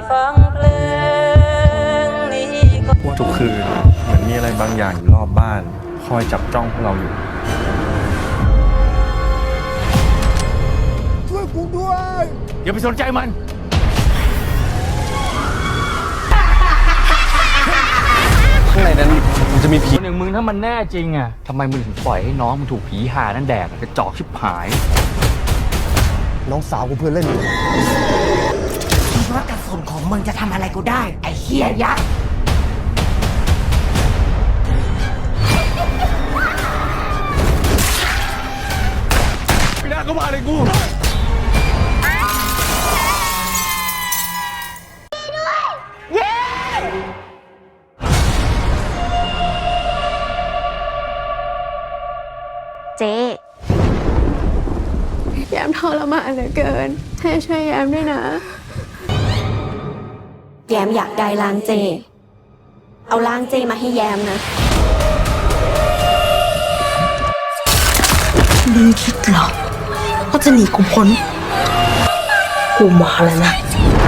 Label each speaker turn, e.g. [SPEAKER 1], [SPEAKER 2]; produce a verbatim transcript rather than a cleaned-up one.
[SPEAKER 1] ฟังเพลงนี้ก็
[SPEAKER 2] ทุกคืนเหมือนมีอะไรบางอย่างอยู่รอบบ้านคอยจับจ้องพวกเราอยู่
[SPEAKER 3] ช่วยกูด้วย
[SPEAKER 2] อย่าไปสนใจมันข้างในนั้นมันจะมีผี
[SPEAKER 4] คนอย่างมึงถ้ามันแน่จริงอ่ะทำไมมึงถึงปล่อยให้น้องมึงถูกผีหานั่นแดกกระจอกชิบหาย
[SPEAKER 3] น้องสาวกูเพื่อนเล่นอยู่
[SPEAKER 5] คิดว่ากระสุนของมึงจะทำอะไรกูได้ไอ้เหี้ยยักษ์
[SPEAKER 2] ไม่น่าเข้ามาเลยกู
[SPEAKER 6] เจ๊แยมทรมานเหลือเกินให้ช่วยแยมด้วยนะแยมอยากได้ล้างเจเอาล้างเจมาให้แยมนะ
[SPEAKER 7] มึงคิดเหรอว่าจะหนีกูพ้นกูมาแล้วนะ